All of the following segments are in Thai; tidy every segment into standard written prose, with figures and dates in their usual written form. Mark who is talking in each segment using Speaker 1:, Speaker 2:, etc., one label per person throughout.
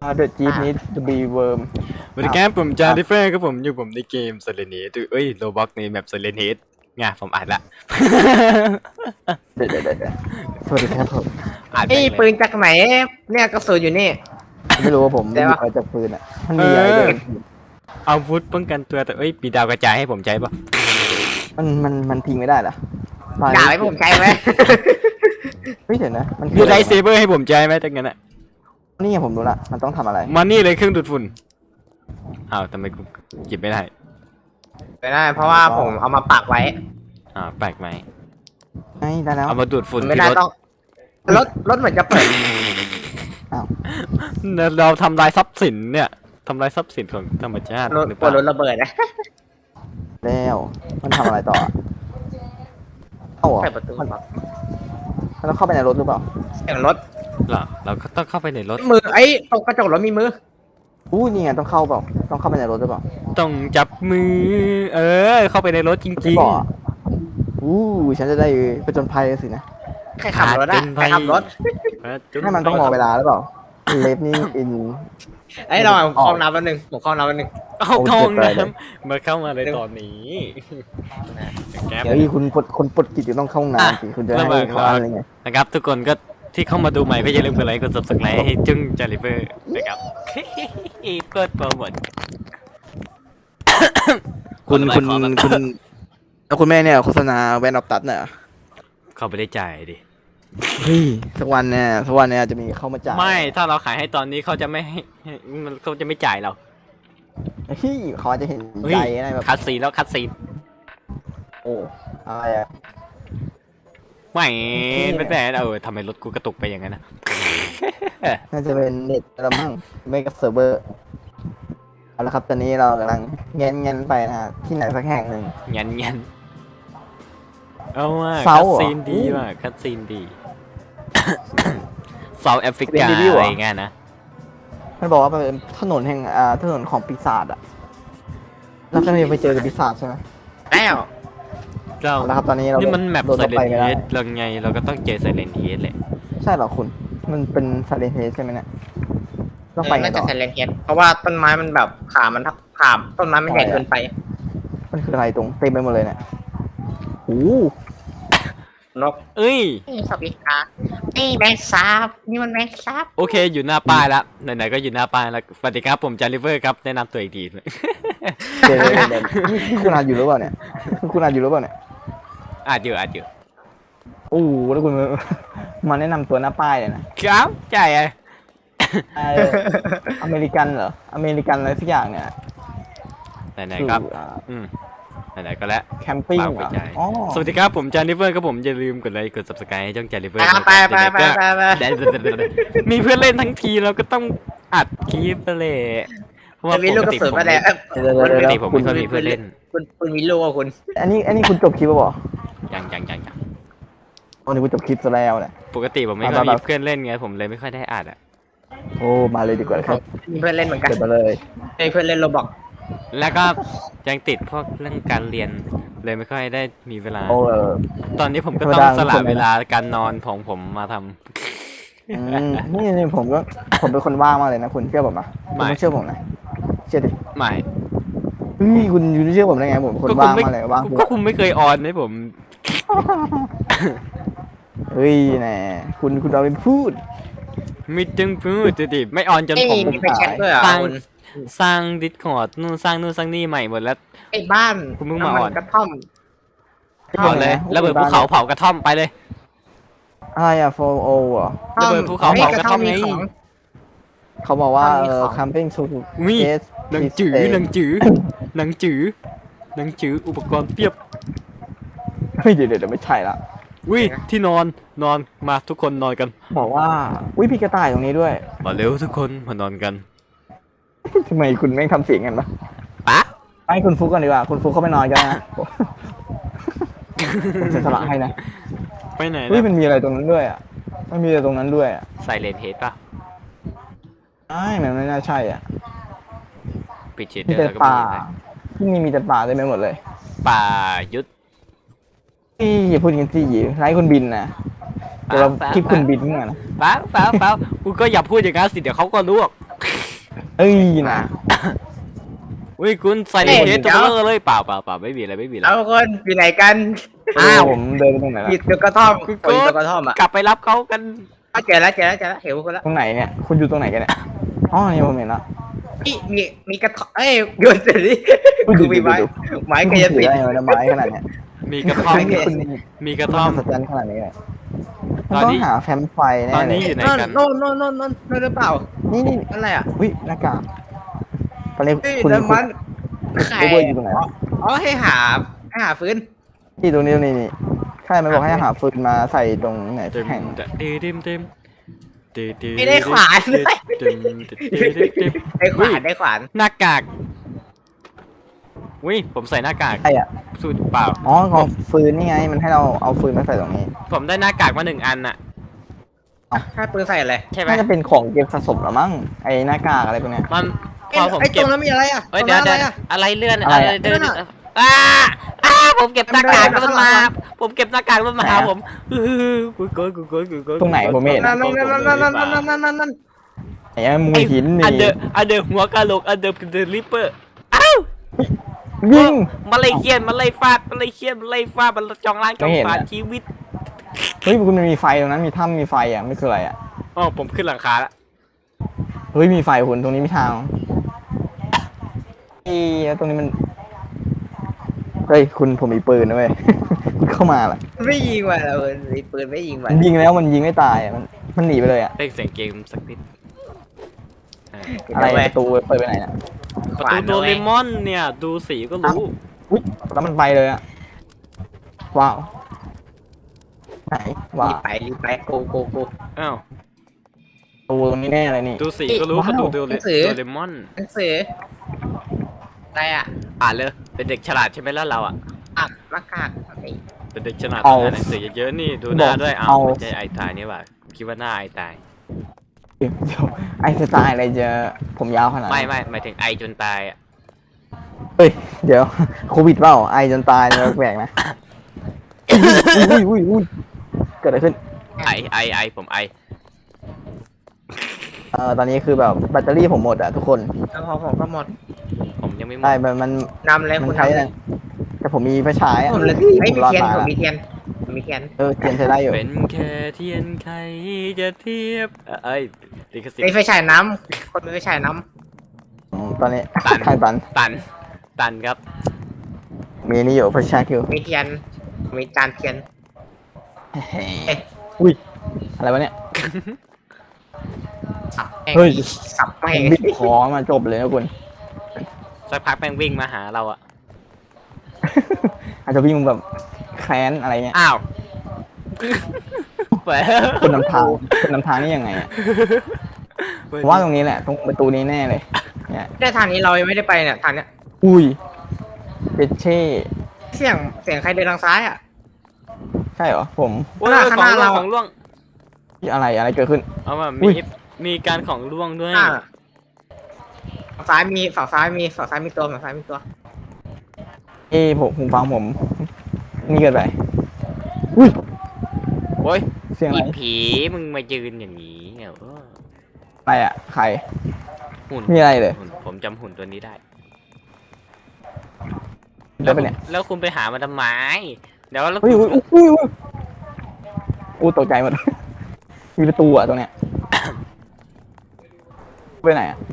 Speaker 1: The Jeep need to be worm
Speaker 2: สวัสดีครับผมจาร์ดิเฟอร์ครับผมอยู่ผมในเกมเซเลเนตเอ้ยโรบ็อกในแมปเซเลเนตไงผมอ่านละ
Speaker 1: เดี๋ยวสวัสดีครับผม
Speaker 2: อ่านไป
Speaker 3: ไอ้
Speaker 2: เลย
Speaker 3: ปืนจากไหนเนี่ยกระสุนอยู่นี่
Speaker 1: ไม่รู้ว่าผม
Speaker 3: ได้
Speaker 1: ไม่
Speaker 3: ปะ
Speaker 1: มีอะไรจากปืนอ่ะมันมีอะไรด้วย
Speaker 2: อาวุธป้องกันตัวแต่มีดาวกระจายให้ผมใช้ปะ
Speaker 1: มันทิ้งไม่ได้เหรอ
Speaker 3: ด่าไว้ผมใจไหม
Speaker 1: เฮ้ยเดี๋ยวนะมัน
Speaker 2: มีไลท์เซเบอร์ให้ผมใช้ไหมตั้งงั้นอะ
Speaker 1: นี่ไงผมรู้ละมันต้องทำอะไร
Speaker 2: มานี่เลยเครื่องดูดฝุ่นอ้าวทำไมกูหยิบไม่ได้
Speaker 3: ไม่ได้เพราะว่าผมเอามาปักไว้
Speaker 2: แปลกไหม
Speaker 1: ไงได้แล้ว
Speaker 2: เอามาดูดฝุ่น
Speaker 3: ไม่
Speaker 2: ที่
Speaker 3: ได้
Speaker 2: รถ
Speaker 3: ต้องรถเหมือนจะเปิด
Speaker 1: อ้าว
Speaker 2: เราทำลายทรัพย์สินเนี่ยทำลายทรัพย์สินของธรรมชาติ
Speaker 3: รถ
Speaker 2: หรือเป
Speaker 3: กลัว
Speaker 2: ล่าร
Speaker 3: ถระเบิดนะ
Speaker 1: แล้วมันทำอะไรต่ออะเข้าเหรอ
Speaker 3: เปิดประตู
Speaker 1: มันต้องเข้าไปในรถหรือเปล่า
Speaker 3: เสียงรถ
Speaker 2: เหรอเราก็ต้องเข้าไปในรถ
Speaker 3: มือไอ้ตรงกระจกรถมีมือ
Speaker 1: อู้นี่ไงต้องเข้าเปล่าต้องเข้าไปในรถหรือเปล่า
Speaker 2: ต้องจับมือเข้าไปในรถจ
Speaker 1: ไม่
Speaker 2: ริง
Speaker 1: บอกอะอู้ฉันจะได้ไปจนภัยสินะ
Speaker 3: ใครขับรถอะใครขับรถ
Speaker 2: ๆ
Speaker 1: ให้มันต้องรอเวลาหรือเปล่าเลฟนี่อิน
Speaker 3: ไอ้ยรอผมเข้าห้องน้ำแป๊บนึงผมเข้าห้องน้ำแป๊บนึง
Speaker 2: เอาท้อง
Speaker 1: โอ้เจ็บไปเลย
Speaker 2: น้ำมาเข้ามาในตอนนี้แก๊ป
Speaker 1: เดี๋ยวคุณปลดกิจจะต้องเข้าห้องน้ำสิคุณจะให้
Speaker 2: ระหว่าง
Speaker 1: เขาอะไรไง
Speaker 2: นะครับทุกคนก็ที่เข้ามาดูใหม่ก็อย่าลืมกดไลค์กด subscribe ให้จึ้งจาริเฟอร์นะครับ เปิดโปรโมท
Speaker 1: คุณ
Speaker 2: ขอ
Speaker 1: คุณ
Speaker 2: แบบ
Speaker 1: คุณแล้วคุณแม่เนี่ยโฆษณาแวนออฟตัดเนี่ย
Speaker 2: เขาไม่ได้จ่ายดิ
Speaker 1: เฮ้ยสักวันเนี่ยจะมีเข้ามาจ่าย
Speaker 2: ไม่ถ้าเราขายให้ตอนนี้เขาจะไม่ให้เขาจะไม่จ่ายเรา
Speaker 1: เฮ้ยเขาอาจจะเห็น
Speaker 2: เฮ้ย
Speaker 1: ใจอะไรแบบ
Speaker 2: คัดซีนแล้วคัดซีน
Speaker 1: โอ้อะไรอะ
Speaker 2: ไม่เป็นแต่ทำไมรถกูกระตุกไปอย่างนั้นนะ
Speaker 1: น่าจะเป็นเน็ตละมั้งไม่กับเซิร์ฟเวอร์เอาละครับตอนนี้เรากำลังเงี้ยไปนะฮะที่ไหนสักแห่งหนึ่ง
Speaker 2: ยันเอาว่า
Speaker 1: เซา
Speaker 2: คัด
Speaker 1: เหรอ
Speaker 2: ซีนดีว่ะคัดซีนดี เซาแอฟริ
Speaker 1: เป็น
Speaker 2: กา
Speaker 1: รีวิวเหรอ
Speaker 2: อะไรเงี้ยนะ
Speaker 1: มันบอกว่าเป็นถนนแห่งถนนของปีศาจอะแล้วก็จะไปเจอกับปีศาจใช่ไหม
Speaker 3: แล้ว
Speaker 2: เรา
Speaker 1: เอาละครับตอนนี้เรา
Speaker 2: นี่มันแมป
Speaker 1: โดด
Speaker 2: ไซ
Speaker 1: เข้า
Speaker 2: เล
Speaker 1: ไป
Speaker 2: น
Speaker 1: ไม่
Speaker 2: เฮ
Speaker 1: ได้
Speaker 2: ดเราไงเราก็ต้องเจอไซเลนเฮดแหละ
Speaker 1: ใช่เหรอคุณ มันเป็นซาเลนเฮใช่ไหมเนี่ยต้องไปไง
Speaker 3: น่า
Speaker 1: ต่
Speaker 3: จะ
Speaker 1: อ
Speaker 3: เซเลนเฮดเพราะว่าต้นไม้มันแบบขาต้นไม้มันใหญ่เกินไป
Speaker 1: มันคืออะไรตรงเต็มไปหมดเลยเนี่ยโอ้โห
Speaker 3: นก
Speaker 2: เอ้ย
Speaker 3: นี่สวัสดีค่ะนี่แมงสาบนี่มันแมงสาบ
Speaker 2: โอเคอยู่หน้าป้ายแล้วไหนๆก็อยู่หน้าป้ายแล้วสวัสดีครับผมจาริเวอร์ครับแนะนำตัวอีกที
Speaker 1: เดี๋ยวนี่คุณอ่านอยู่หรือเปล่าเนี่ยคุณอ่านอยู่หรือเปล่าเนี่ย
Speaker 2: อาจอยู่
Speaker 1: โอ้โหแล้วคุณมาแนะนำตัวหน้าป้ายเลยนะครับ
Speaker 2: ใช่ไง
Speaker 1: เอ่ออเมริกันเหรออเมริกันอะไรสักอย่างเนี่ย
Speaker 2: ไหนๆครับไหนๆก็แล้ว
Speaker 1: แคมปิ้ง
Speaker 2: ฝาก
Speaker 1: เห
Speaker 2: ไป
Speaker 1: รอ
Speaker 2: ใจ
Speaker 1: อ๋อ
Speaker 2: สวัสดีครับผมจาริเวอร์ครับผมอย่าลืมกดไลค์กด subscribe ให้ช่องจาริเวอร์
Speaker 3: ไป
Speaker 2: มีเพื่อนเล่นทั้งทีเราก็ต้องอัดคลิปไปเลยเพราะว่า
Speaker 3: จะมีลูกกระสุนมาแล้ว
Speaker 2: ปกติผมไม่ค่อยมีเพื่อนเล่น
Speaker 3: คุณมีลูกอ่ะคุณ
Speaker 1: อันนี้คุณจบคลิปป่ะบอ
Speaker 2: ยัง
Speaker 1: อ๋อนี่คุณจบคลิปซะแล้วเนี่ย
Speaker 2: ปกติผมไม่ค่อยมีเพื่อนเล่นไงผมเลยไม่ค่อยได้อัดอ่ะ
Speaker 1: โอ้มาเลยดีกว่าครับ
Speaker 3: มีเพื่อนเล่นเหมือนกัน
Speaker 1: เกิดมาเลย
Speaker 3: มีเพื่อนเล่นโรบอก
Speaker 2: แล้วก็ยังติดพวกเรื่องการเรียนเลยไม่ค่อยได้มีเวลา
Speaker 1: โอ้
Speaker 2: ตอนนี้ผมก็ต้องสละเวลาการนอนของผมมาทำ
Speaker 1: นี่ผมเป็นคนว่างมากเลยนะคุณเชื่อผมปะคุณต้องเชื่อผมนะเชื่อดิ
Speaker 2: ไม่
Speaker 1: เฮ้ยคุณเชื่อผมได้ไงผมคนว่างมากเลยว่าง
Speaker 2: ก็คุณไม่เคยออนให้ผม
Speaker 1: เฮ้ยแน่คุณเอาไปพูด
Speaker 2: ไม่จึงพูดจะดิไม่ออนจน
Speaker 3: ไอ้
Speaker 2: ผม
Speaker 3: มีไปแชทด้วยอ่ะ
Speaker 2: สร้างดิสคอร์ดนู่นสร้างนี่ใหม่หมดแล้ว
Speaker 3: ไอ้บ้าน
Speaker 2: คุณเพิ่งมาอ่อน
Speaker 3: กระท่อม
Speaker 2: เผาเลยแล้วเบิดภูเขาเผากระท่อมไปเลย
Speaker 1: อะไรอะโฟโออ่ะ
Speaker 2: ระเบิดภูเขาเผากระท่อมไง
Speaker 1: เขาบอกว่า
Speaker 3: มีของ
Speaker 1: camping to
Speaker 2: วิ
Speaker 1: test
Speaker 2: หนังจืออุปกรณ์เพียบ
Speaker 1: เฮ้ยเดี๋ยวไม่ใช่ละ
Speaker 2: วิที่นอนมาทุกคนนอนกัน
Speaker 1: บอกว่าวิพี่กระต่ายตรงนี้ด้วย
Speaker 2: มาเร็วทุกคนมานอนกัน
Speaker 1: ทำไมคุณแม่งทำเสียงกันปะ
Speaker 2: ปะ
Speaker 1: ให้คุณฟุกกันดีกว่าคุณฟุกเข้าไปนอนกันนะผมเสียสละให้นะ
Speaker 2: ไปไหน
Speaker 1: เฮ้ย
Speaker 2: นะ
Speaker 1: มันมีอะไรตรงนั้นด้วยอ่ะมันมีอะไรตรงนั้นด้วยอ่ะ
Speaker 2: ไซเลนเฮดป่ะ
Speaker 1: มันไม่น่าใช่อ่ะ
Speaker 2: ปิดเชดเด
Speaker 1: มี
Speaker 2: อร์
Speaker 1: แต่
Speaker 2: แล้วก็
Speaker 1: ป่า
Speaker 2: มีอะไร
Speaker 1: ที่นี่มีแต่ป่าเต็มไปหมดเลย
Speaker 2: ป่ายุทธ
Speaker 1: พี่อย่าพูดกันสิไร้คุณบินนะเดี๋ยวเราคลิปคุณบินเมื่อนะ
Speaker 2: ฟ้ากูก็อย่าพูดอย่างนั้นสิเดี๋ยวเขาก็รู้หรอก
Speaker 1: เอ้ยนะ
Speaker 2: อุ้ยคุณใส่เทสตัวเบลอเลยเปล่าไม่มีอะไร
Speaker 3: เอาคนอยู่ไหนกัน
Speaker 2: อ้าว
Speaker 1: ผมเดินไปตรงไหน
Speaker 3: ผิ
Speaker 1: ละ
Speaker 3: ดตัวกระท่อม
Speaker 2: คุณ
Speaker 3: คน
Speaker 2: โก
Speaker 3: ตัวกระท่อมอ่ะ
Speaker 2: กลับไปรับเขากัน
Speaker 3: เจอแล้วเห็นคนแล้ว
Speaker 1: ตรงไหนเนี่ยคุณอยู่ตรงไหนกันเนี่ยอ๋อนี่ผมเห็นละ
Speaker 3: มีกระท่อมโยนเสร็จดิ
Speaker 1: อุ้ย
Speaker 3: กูมีไม้
Speaker 1: ดู
Speaker 3: ไม้กระยัน
Speaker 1: ถื
Speaker 3: ปิ
Speaker 1: อ
Speaker 3: ด
Speaker 1: ได้ไหมไม้ขนาดเนี้ย
Speaker 2: มีกระท่อม
Speaker 1: คุณนี่
Speaker 2: มีกระท่อม
Speaker 1: มหัศจรรย์ขนาดนี้เลย
Speaker 2: ตอน
Speaker 1: ต้อ
Speaker 2: นี้
Speaker 1: งหาแฟมไฟแน่
Speaker 2: ตอน
Speaker 1: เล
Speaker 2: นี้
Speaker 1: ย
Speaker 2: อยู่ไหนกัน
Speaker 3: โน่นหรือเปล่า
Speaker 1: นี่
Speaker 3: อะไรอ่ะ
Speaker 1: อุ้ยหน้ากากตอนนี้
Speaker 3: เฮ้ย
Speaker 1: คุณ
Speaker 3: น้ำมัน
Speaker 1: คุณ
Speaker 3: ไข่
Speaker 1: เบอร์อยู่ตรงไหน
Speaker 3: อ๋อให้หาฟื้น
Speaker 1: ที่ตรงนี้นี่ใช่มันบอกให้หาฟืนมาใส่ตรงไหน
Speaker 2: เต็ม
Speaker 1: แข่ง
Speaker 2: เต็ม
Speaker 3: ไม่ได้ขวานเลย
Speaker 2: เต็ม
Speaker 3: ได้ขวานได้ขวาน
Speaker 2: หน้ากากอุ้ยผมใส่หน้ากาก
Speaker 1: ใช่อ่ะ
Speaker 2: สูตรเปล่า
Speaker 1: อ๋อของฟืนนี่ไงมันให้เราเอาฟืนมาใส่ตรงนี้
Speaker 2: ผมได้หน้ากากมา1 อันน่ะ
Speaker 3: ถ้าปืนใส่อะไร
Speaker 2: ใช่ไหม
Speaker 1: น่าจะเป็นของเก็บสะสมหรือมั้งไอ้หน้ากากอะไรพวกเนี้ย
Speaker 2: มันพอผม
Speaker 3: ไอ้ต
Speaker 2: เก็
Speaker 3: ร
Speaker 2: บ
Speaker 3: งนั้นมีอะไรอ่ะ
Speaker 2: เฮ้ย
Speaker 3: ตร
Speaker 2: เดี๋ยว
Speaker 3: ง
Speaker 2: เดี๋
Speaker 3: นั้
Speaker 2: ย
Speaker 3: น
Speaker 2: วอะไรเลื่อน
Speaker 1: อะไร
Speaker 2: อะไร
Speaker 1: อะ
Speaker 2: เดิน
Speaker 3: นั่นอะ
Speaker 2: ผมเก็บหน้ากากแล้วมันมา
Speaker 3: ข้างหลัง
Speaker 2: ผมเก็บหน้ากากแล้วมันมาหาผมกูโกน
Speaker 1: ตรงไหนผมไม่เห็น
Speaker 3: นั่นนั่น
Speaker 1: ไอ้มูหิน
Speaker 2: อันเด
Speaker 1: นี่
Speaker 2: อร์หัวกะโหลกอันเดอร์เดอะริปเปอร์อ้าว
Speaker 1: ยิง
Speaker 2: มาไล่เคียนมาไล่ฟาดมาไล่เคียนมาไล่ฟาดมันจองล้างจอง
Speaker 1: ไม่เห็น
Speaker 2: ผ่าน
Speaker 1: อะ
Speaker 2: ชีวิต
Speaker 1: เฮ้ยคุณมันมีไฟตรงนั้นมีถ้ำมีไฟอ่ะไม่คืออะไรอ่ะ
Speaker 2: อ๋อผมขึ้นหลังคาละ
Speaker 1: เฮ้ยมีไฟคุณตรงนี้มีทางเอ้ยตรงนี้มันเฮ้ยคุณผมมีปืนนะเว้ย คุณเข้ามาล่ะ
Speaker 3: ไม่ยิงว่ะเราปืนไม่ยิงว่ะ
Speaker 1: มันยิงแล้วมันยิงไม่ตายอ่ะมันหนีไปเลยอ่ะ
Speaker 2: เล่นเสียงเกมสักนิด
Speaker 1: อะไรประตูเปิดไปไหนน่ะ
Speaker 2: ประตูโดเรมอนเนี่ยดูสีก็รู้
Speaker 1: อุ้ยแล้วมันไปเลยอ่ะว้าวไหนว้า
Speaker 3: รี
Speaker 1: ว
Speaker 3: บไปโก
Speaker 2: อ้าว
Speaker 1: ประตูตรงนี้แน่เลยนี่
Speaker 2: ดูสีก็รู้
Speaker 1: ว้าว
Speaker 2: ประตูโดเรมอน
Speaker 3: หนังสืออะไรอ่ะ
Speaker 2: อ่านเลยเป็นเด็กฉลาดใช่ไหมแล้วเราอ่ะ
Speaker 3: หน้ากาก
Speaker 2: เป็นเด็กฉลาดต้องอ่านหนังสือเยอะๆนี่ดูหน้าด้วยอ้าวไม่ใช่ไอตายนี่หว่าคิดว่าหน้าไอตาย
Speaker 1: เดี๋ยวไอสไตล์อะไรจะผมยาวขนาดนั้น
Speaker 2: ไม่หมายถึงไอจนตายอ่ะ
Speaker 1: เฮ้ยเดี๋ยวโควิดเปล่าไอจนตายเนี่ยแปลกนะอุ้ยเกิดอะไรขึ้น
Speaker 2: ไอผมไอ
Speaker 1: ตอนนี้คือแบบแบตเตอรี่ผมหมดอะทุกคน
Speaker 3: แล้วผมก็หมด
Speaker 2: ผมยังไม่หม
Speaker 1: ได้
Speaker 2: ด
Speaker 1: มัน
Speaker 3: นำเลย
Speaker 1: มั
Speaker 3: คุ
Speaker 1: น
Speaker 3: ณ
Speaker 1: ใช้
Speaker 3: นำเล
Speaker 1: นะ
Speaker 3: ย
Speaker 1: แต่ผมมีไฟฉายอะ
Speaker 3: ผมเลย
Speaker 1: ผ
Speaker 3: ไม่
Speaker 1: ม
Speaker 3: มี
Speaker 1: รอด
Speaker 3: เทียน
Speaker 1: ตาย
Speaker 3: ผม
Speaker 1: ละ
Speaker 3: มีเทียนผมมีเทียน
Speaker 1: เทียนใช้ได้อยู่
Speaker 2: เป็นแค่เทียนใครจะเทียบเอ้ยลิขสิท
Speaker 3: ไอ้
Speaker 2: ธิ์
Speaker 3: ไฟฉายน้ำคนมีไฟฉายน้
Speaker 1: ตอนนี้
Speaker 2: ตัน
Speaker 1: ทางตัน
Speaker 2: ตันครับ
Speaker 1: มีนี่อยู่ไฟฉายอยู่
Speaker 3: ำมีเทียนมีจานเทียน
Speaker 1: อุ้ยอะไรวะเนี่ย
Speaker 3: สับแม่ง
Speaker 1: เฮ้ย
Speaker 3: สับแม่
Speaker 1: ผ
Speaker 3: ง
Speaker 1: มบิดคอมาจบเลยนะคุณ
Speaker 2: สักพักแม่งวิ่งมาหาเราอ่ะ
Speaker 1: อาจจะวิ่งแบบแค้นอะไรเงี้ย
Speaker 2: อ้าวแหม
Speaker 1: คุณนำทางนี่ยังไงอะผมว่าตรงนี้แหละตรงประตูนี้แน่เลยเนี่ย
Speaker 3: ได้ทางนี้เรายังไม่ได้ไปเนี่ยทางเนี้ย
Speaker 1: อุ้ยเปเช่
Speaker 3: เสียงใครเดินทางซ้ายอ่ะ
Speaker 1: ใช่เหรอผม
Speaker 2: โอ้ย
Speaker 3: ข้างหน้าเรา
Speaker 2: ของล่วง
Speaker 1: อะไรเกิดขึ้น
Speaker 2: เอามา
Speaker 1: อุ้ย
Speaker 2: มีการของล่วงด้วย
Speaker 3: ฝั่งซ้ายมีฝั่งซ้ายมีตัวฝั่งซ้ายมีตัว
Speaker 1: ผมฟังผม นี่เกิดไปอุ้ย
Speaker 2: โอ้ย
Speaker 1: เสียงอะ
Speaker 2: อี
Speaker 1: ไร
Speaker 2: ผีมึงมายืนอย่างนี้เนี่ยเออ
Speaker 1: อะไรอ่ะใคร
Speaker 2: หุ่น
Speaker 1: มีอะไรเลย
Speaker 2: หุ่นผมจำหุ่นตัวนี้ได้
Speaker 1: ได้ปะเนี่ย
Speaker 2: แล้วคุณไปหามาทำไมเดี๋ยวแล้ว
Speaker 1: อุ้ย
Speaker 2: คุณ
Speaker 1: อุ้ยตกใจหมด มีประตูอ่ะตรงเนี้ย ไปไหนอ่ะ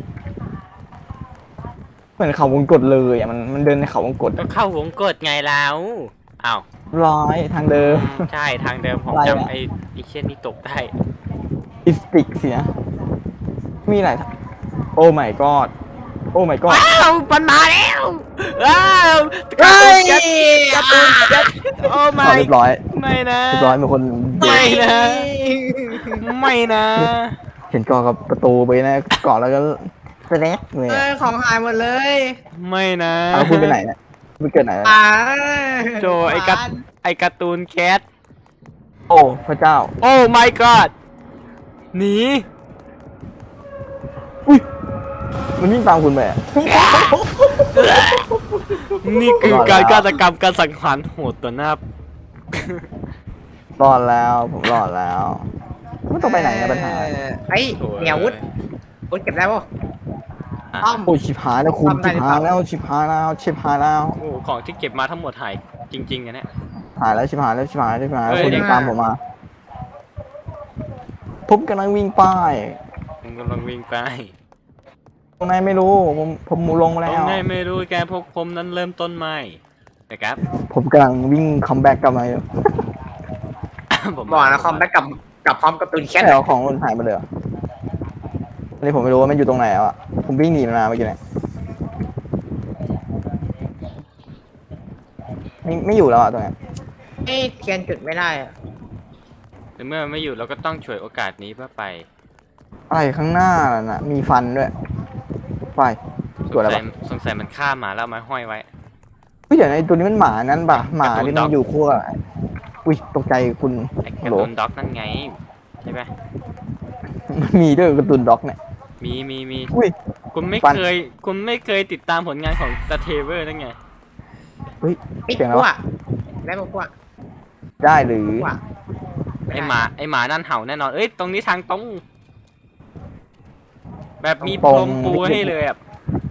Speaker 1: เหมือนเขาวงกตเลยอ่ะมันเดินในเขาวงกต
Speaker 2: ก็เข้าวงกดไงแล้วอ้าว
Speaker 1: ร้อยทางเดิม
Speaker 2: ใช่ทางเดิมผม
Speaker 1: อะไรอะ
Speaker 2: จำไอ้เช่นนี้ตกได้
Speaker 1: อิสติกสินะมีอะไรโอ้ my god โอ้ my god
Speaker 2: ว้าวมันมาแล้วว้าวกระตุ้นแก๊สโอ้
Speaker 1: อ๋อ
Speaker 2: ไม่
Speaker 1: เรียบร้อย
Speaker 2: ไม่นะ
Speaker 1: เรียบร้อยเป็นคน
Speaker 2: ไม่นะ ไม่นะ
Speaker 1: เห็นกอกับประตูไปนะเกาะแล้วก็สแน็คเลยอะ
Speaker 3: ของหายหมดเลย
Speaker 2: ไม่นะ
Speaker 1: เอาคุณไปไหนเนี่ยคุณเกิดไหนอะ
Speaker 2: โจไอ้การ์ตูนแคท
Speaker 1: โอ้พระเจ้า
Speaker 2: โอ้ my god หนี
Speaker 1: อุ้ยมันวิ่งตามคุณไปอะ
Speaker 2: นี่คือการฆาตกรรมการสังหารโหดต่อหน้าร
Speaker 1: อดแล้วผมรอดแล้วไม่ต้องไปไหนนะปัญหา
Speaker 3: ไอ้เหนียววุฒเก็บได้ป่ะอ้อม
Speaker 1: โอ้ยชิบหายแล้วคุณ
Speaker 3: ทำได้
Speaker 1: ชิบ
Speaker 3: หรือเป
Speaker 1: หา
Speaker 3: ล่า
Speaker 1: ยแล้วชิบหายแล้วชิบหายแล้ว
Speaker 2: โอ้ของที่เก็บมาทั้งหมดหายจริงๆอะเนี่ย
Speaker 1: หายแล้วชิบหายแล้วชิบหายแล้วชิบหายแล้ว
Speaker 2: เอ้ย
Speaker 1: คุณตามผมมาผมกำลังวิ่งไป
Speaker 2: ผมกำลังวิ่งไป
Speaker 1: ตรงไหนไม่รู้ผมลงมา
Speaker 2: ตร
Speaker 1: แล้
Speaker 2: ง
Speaker 1: ว
Speaker 2: ไหนไม่รู้แกพวกผมนั้นเริ่มต้นใหม่นะครับ
Speaker 1: ผมกำลังวิ่งคัมแบ็กกลับมาอยู่
Speaker 2: ผม
Speaker 3: บอกนะคอมแบ็กกับพร้อมกับตูนแคท
Speaker 1: แค่เอาของคนหายไปเลยเหรออันนี้ผมไม่รู้ว่ามันอยู่ตรงไหนแล้วอ่ะผมวิ่งหนีมันมาเมื่อกี้เนี่ยไม่อยู่แล้วอ่ะตรงเนี้ย
Speaker 3: เอ้ยเทียนจุดไม่ได้อะ
Speaker 2: แต่เมื่อมันไม่อยู่เราก็ต้องฉวยโอกาสนี้เพื่อไป
Speaker 1: อะไรข้างหน้าน่ะมีฟันด้วยไป
Speaker 2: ส
Speaker 1: ตัว
Speaker 2: ง
Speaker 1: อะไร
Speaker 2: สัย
Speaker 1: ปะ
Speaker 2: สงสัยมันฆ่าหมาแล้วเอามาห้อยไว้
Speaker 1: เฮ้ยเดี๋ยวนะไอ้ตัวนี้มันหมานั่นป่ะหมา
Speaker 2: การ์ตูน
Speaker 1: ที่
Speaker 2: ด็
Speaker 1: มั
Speaker 2: อน ก
Speaker 1: อยู่ขั้วอุ้ยตกใจคุณ
Speaker 2: ไอ้
Speaker 1: ฮั
Speaker 2: กา
Speaker 1: ลโหล
Speaker 2: ร์ตูนด็อกนั่นไงใช่ไหม
Speaker 1: มันมีด้วยการ์ตูนด็อกเนี่ย
Speaker 2: มี
Speaker 1: อุ้ย
Speaker 2: คุณไม่
Speaker 1: ฟัน
Speaker 2: เคยติดตามผลงานของตาเทเวอร์นั่นไง
Speaker 1: เฮ้ย
Speaker 3: ปิด
Speaker 1: เสียง
Speaker 3: พ
Speaker 1: แล้ว
Speaker 3: ว
Speaker 1: วะ
Speaker 3: กได้พวก
Speaker 1: ได้หรือ
Speaker 3: พวก
Speaker 2: ไอหมานั่นเห่าแน่นอนเอ้ยตรงนี้ทางตรงแบบมีพรมปูให้เลยอ่ะ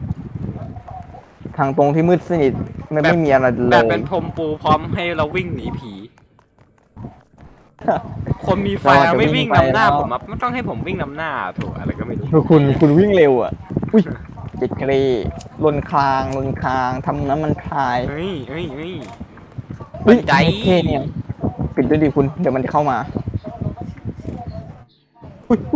Speaker 1: ทางตรงที่มืดสนิทไม่
Speaker 2: แบบ
Speaker 1: ไม่มีอะไรเล
Speaker 2: แบบ
Speaker 1: ย
Speaker 2: เป็นพรมปูพร้อมให้เราวิ่งหนีผี คนมีไฟ
Speaker 1: เราอาจจะ
Speaker 2: ไม่วิ่งนำหน้า
Speaker 1: วิ่งไปแล้ว
Speaker 2: ผมอะไม่ต้องให้ผมวิ่งนำหน้าถูกอะไรก็ไม่รู้
Speaker 1: คุณวิ่งเร็วอ่ะอุ้ยเจ็ดเกรลนคลางทำน้ำมันพาย
Speaker 2: เฮ้ย
Speaker 1: เฮ้ย
Speaker 2: บันได
Speaker 1: เท่เนี่ยปิดด้วยดิคุณเดี๋ยวมันจะเข้ามาอุ๊ย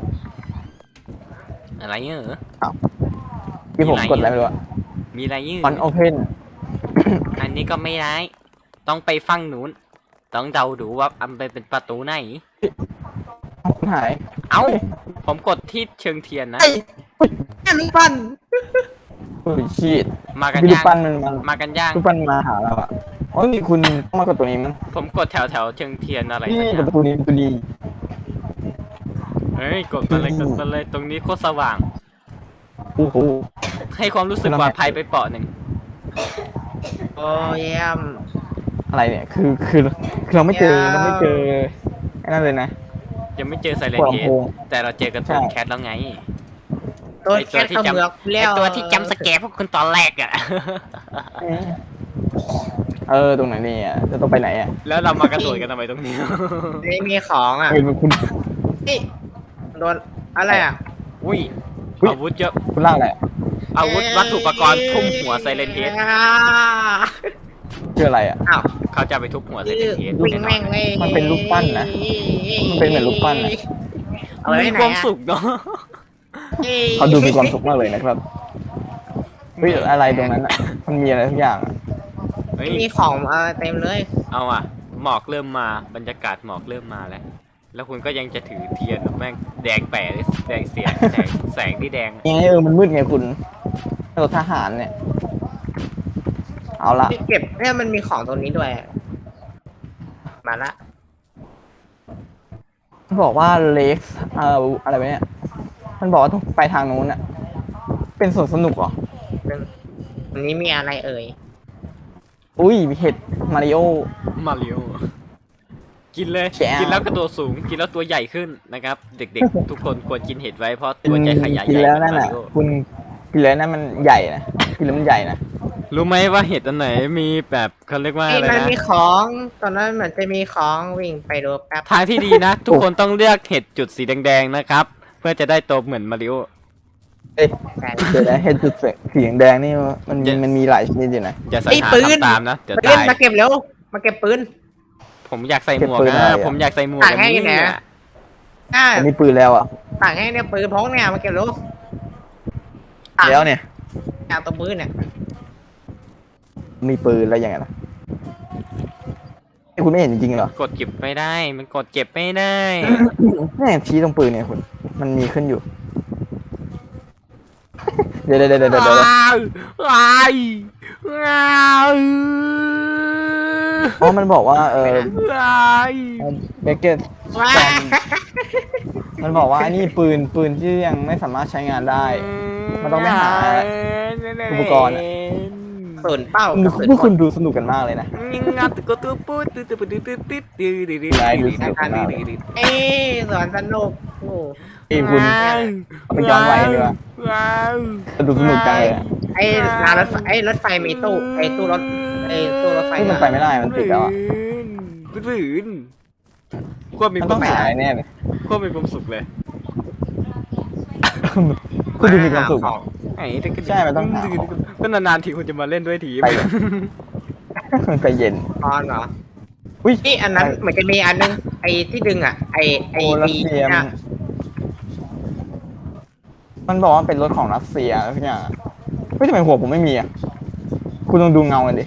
Speaker 2: อะไรเงี้ยเหรอ
Speaker 1: ที่ผมกดอะไรไม่รู้อะ
Speaker 2: มีอะไรเงี้ย
Speaker 1: ฟอนโอเพน
Speaker 2: อันนี้ก็ไม่ได้ต้องไปฟังนู้นต้องเดาดูว่าอันเป็นประตูไหน
Speaker 1: หาย
Speaker 2: เอ้า ผมกดที่เชิงเทียนนะ
Speaker 3: แค่ลูกปั้น
Speaker 1: โอ้ยชีด
Speaker 2: มากัน
Speaker 1: พี่ลู
Speaker 2: ย่าก ง
Speaker 1: ปั้นมันมา
Speaker 2: มากันย่าง
Speaker 1: ลูกปั้นมาหาเราอ่ะโอ้ยมีคุณต้องมากดตัวนี้มั้ง
Speaker 2: ผมกดแถวเชิงเทียนอะไร
Speaker 1: นี่
Speaker 2: สักอย่า
Speaker 1: กด
Speaker 2: ง
Speaker 1: ประตูนี้ประตูนี้
Speaker 2: เฮ้ยกดมาเลยกดมาเลยตรงนี้โคตรสว่าง
Speaker 1: โอ้โห
Speaker 2: ให้ความรู้สึกปลอดภัยไปเปาะหนึ่ง
Speaker 3: โอ้เยี่ยม
Speaker 1: อะไรเนี่ยคือเราไม่เจอไอ้นั่นเลยนะ
Speaker 2: ยังไม่เจอไซเรน
Speaker 1: หัว
Speaker 2: เฮ
Speaker 1: ลำโพ
Speaker 2: ด
Speaker 1: ง
Speaker 2: แต่เราเจอกระตูน
Speaker 1: ใช่
Speaker 2: แคทแล้วไง
Speaker 3: ตัว
Speaker 2: ไอ้
Speaker 3: แคทเขมือก
Speaker 2: ไอ
Speaker 3: แล้ว
Speaker 2: ตัวที่จำสแกร์พวกคุณตอนแรกอะ
Speaker 1: ตรงไหนเนี่ยจะต้องไปไหนอ่ะ
Speaker 2: แล้วเรามากระโดดกันทำไมตรงนี้
Speaker 3: นี่มีของอ่ะ
Speaker 1: เฮ้ยคุณ
Speaker 3: นี่โดนอะไรอ่ะ
Speaker 2: อุ้ย
Speaker 1: อุ๊ย
Speaker 2: อาวุธเยอะ
Speaker 1: คุณล่างอะไรอะ
Speaker 2: อาวุธวัตถุอุปกรณ์ทุ่มหัวไซเรนเฮด
Speaker 1: ชื่ออะไรอ่ะ
Speaker 3: อ้าว
Speaker 2: เขาจะไปทุบหัวไซเรนเฮด
Speaker 3: วิ่งแม่งเลย
Speaker 1: มันเป็นรูปปั้นนะมันเป็นเหมือนรูปปั้นอะ
Speaker 3: เอาไว้
Speaker 2: มี
Speaker 3: ไหน
Speaker 2: ความ
Speaker 3: อะ
Speaker 2: สุขเนาะ
Speaker 1: เขาดูมีความสุขมากเลยนะครับเฮ้ยอะไรตรงนั้นอ่ะมันมีอะไรทุกอย่างอะ
Speaker 2: เฮ้ย
Speaker 3: มีของเต็มเลย
Speaker 2: เอาอ่ะหมอกเริ่มมาบรรยากาศหมอกเริ่มมาแล้ว แล้วคุณก็ยังจะถือเทียนแม่งแดงแปะเลยแดงเสียแสงที่แดง
Speaker 1: ยังไงมันมืดไงคุณรถทหารเนี่ย เอาละ
Speaker 3: เก็บเนี่ยมันมีของตรงนี้ด้วย มาละ
Speaker 1: บอกว่าเล็กอะไรวะเนี่ย มันบอกว่าต้องไปทางนู้นอะเป็นสวนสนุกเหรอ
Speaker 3: อันนี้มีอะไรเอ่ย
Speaker 1: อุ้ยมีเห็ดมาริโอ
Speaker 2: มาริโอกินเลย
Speaker 1: แจ๋ว
Speaker 2: กินแล้วกระโดดสูงกินแล้วตัวใหญ่ขึ้นนะครับ เด็กๆ ทุกคนควรกินเห็ดไว้เพราะตัวจะขยาย
Speaker 1: กิ
Speaker 2: ให
Speaker 1: น
Speaker 2: ญ่
Speaker 1: แล้ว
Speaker 2: เหมื
Speaker 1: นั่
Speaker 2: อน นมา
Speaker 1: น่ะ
Speaker 2: ริโอ
Speaker 1: คุณกินแล้วนั่นมันใหญ่นะกินแล้วมันใหญ่นะ
Speaker 2: รู้ไหมว่าเห็ดอันไหนมีแบบเขาเรียกว่า
Speaker 3: นี่
Speaker 2: อะไร
Speaker 3: มัน
Speaker 2: นะ
Speaker 3: มีของตอนนั้นเหมือนจะมีของวิ่งไปดูแป๊บ
Speaker 2: ทางที่ดีนะ ทุกคนต้องเลือกเห็ดจุดสีแดงๆนะครับ เพื่อจะได้โตเหมือนมาริโอ
Speaker 1: เอ้ย
Speaker 3: แต่
Speaker 1: เดี๋ยวนะเห็ดจุดสีแดงนี่มัน
Speaker 2: เดี๋ยว
Speaker 1: มันมีหลายชนิดอยู่นะ
Speaker 2: อย่าสัญ
Speaker 3: ไอ้
Speaker 2: หา
Speaker 3: ปืน
Speaker 2: ทำตามนะเดี๋ยว
Speaker 3: ปืน
Speaker 2: ตาย
Speaker 3: มาเก็บเร็ว มาเก็บปืน
Speaker 2: ผมอยากใส่หมวก
Speaker 1: เก็บปืน
Speaker 2: นะ
Speaker 1: อะไรอะ
Speaker 2: ผมอยากใส่หมวก
Speaker 3: ต่าง
Speaker 2: อัน
Speaker 3: ให้
Speaker 2: นี้
Speaker 3: ไหน
Speaker 2: เนี่ย
Speaker 3: อ่า
Speaker 1: ผมมีปืนแล้วอ่ะ
Speaker 3: ต่างให้เนี่ยปืนพกเนี่ยมาเก็บเร็ว
Speaker 1: แล้วเนี่ย
Speaker 3: เอาตัวปืนเนี่ย
Speaker 1: มีปืนแล้วยังไงล่ะไอ้คุณไม่เห็นจริงๆเหรอก
Speaker 2: ดเก็บไม่ได้ มันกดเก็บไม่ได้
Speaker 1: แม่งชี้ตรงปืนเนี่ยคุณมันมีขึ้นอยู่ เดี๋ยว
Speaker 2: ว้าวว้ายว้าว
Speaker 1: อ๋อมันบอกว่า
Speaker 2: ว้าย
Speaker 1: เบเกต
Speaker 3: ว้า
Speaker 1: มันบอกว่าอันนี้ปืนที่ยังไม่สามารถใช้งานได้ มันต้องไปหาอุปกรณ์อะ
Speaker 3: ศูนย์เป้า
Speaker 1: พวกคุณดูสนุกกันมากเลยนะ
Speaker 2: งัดก็ตัวปุ๊ดตึ๊ดตึ๊ดตึ๊ดตึ๊ดตึ๊ดตึ๊ดตึ๊ดตึ๊ด
Speaker 1: ได้ดูสนุกมาก
Speaker 3: เอ้ยสวนสนุกโอ้
Speaker 1: เอ้ยคุณเอาไปย้อนไว้ดีกว่า
Speaker 2: ว้าว
Speaker 1: ดูสนุกจังเลยอะ
Speaker 3: ไอ้รางรถไฟไอ้รถไฟมีตู้ไอ้ตู้รถไอ้ตู้รถไฟ
Speaker 1: เฮ้ยมันไปไม่ได้มันติดแล้วอะ
Speaker 2: ฝืนควบมี
Speaker 1: มัน
Speaker 2: ค
Speaker 1: ต้อ
Speaker 2: วาง มสุ
Speaker 1: หา
Speaker 2: ข
Speaker 1: แน่เลย
Speaker 2: ควบมีความสุขเลย
Speaker 1: คุณดูมีความสุข
Speaker 3: ของ
Speaker 2: ไอ้ถ้าก็
Speaker 1: ใช่มันต้องหาของ
Speaker 2: ก็นานๆทีคุณจะมาเล่นด้วยที
Speaker 1: ไป ใจเย็น
Speaker 3: ตอนเหรอ
Speaker 1: อุ้ย
Speaker 3: นี่อันนั้นเหมือนจะมีอันนึงไอ้ที่ดึงอ่ะไอ้
Speaker 1: โอ้รัสเซีย
Speaker 3: เนี่ย
Speaker 1: มันบอกว่าเป็นรถของรัสเซียอะไรทุกอย่างอะเฮ้ยทำไมหัวผมไม่มีอ่ะคุณลองดูเงากันดิ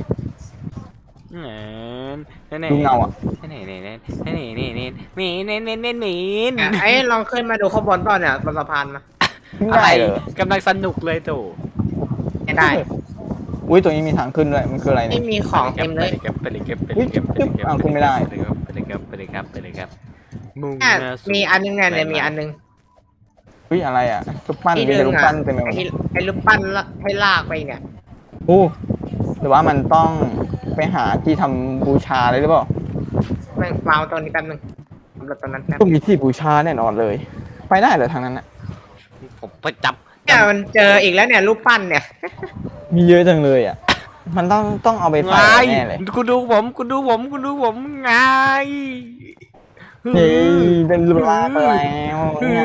Speaker 1: ดูเงาอ่ะ
Speaker 2: นี่มีน
Speaker 3: ไอ้ลองขึ้นมาดูข้างบนก่อนเนี่ยบนสะพานมา
Speaker 1: ขึ้น
Speaker 2: อะไร
Speaker 1: ได้เลย
Speaker 2: กำลังสนุกเลยตู่
Speaker 3: ไม่ได้
Speaker 1: อุ้ยตัวนี้มีทางขึ้นด้วยมันคืออะไรเนี่
Speaker 3: ไม่
Speaker 1: ย
Speaker 3: มีของเต็มเลย
Speaker 2: ไปเลยครับ
Speaker 1: อุ๊ยอ้าวขึ้นไม่ได้
Speaker 2: ไปเลยครับมุ่งห
Speaker 3: เนี่ย
Speaker 2: น้าสู่
Speaker 3: มีอันนึงเนี่ยมีอันนึง
Speaker 1: อุ้ยอะไรอ่ะรูปปั้น
Speaker 3: ที่
Speaker 1: มี
Speaker 3: ดึ
Speaker 1: แต่
Speaker 3: ง
Speaker 1: รูป
Speaker 3: อ่ะ
Speaker 1: ปั้นเต็มไปหมด
Speaker 3: ไอ้รูปปั้นละให้ลากไปเนี่ย
Speaker 1: โอ้หรือว่ามันต้องไปหาที่ทำบูชาเลยหรือเปล่า
Speaker 3: แม่งวางตรงนี้แป๊บนึงสำหรับตอนนั้นแป๊บ
Speaker 1: ต้องมีที่บูชาแน่นอนเลย ไปได้เหรอทางนั้นอ่ะ
Speaker 2: ผมไปจับ
Speaker 3: เนี่ยมันเจออีกแล้วเนี่ยรูปปั้นเนี่ย
Speaker 1: มีเยอะจังเลยอ่ะ มันต้องเอาไปใส่
Speaker 2: ไง
Speaker 1: แน่เลย
Speaker 2: คุณดูผมไง
Speaker 1: เฮ้ยเป็นรูปร่างไปแล้วยัง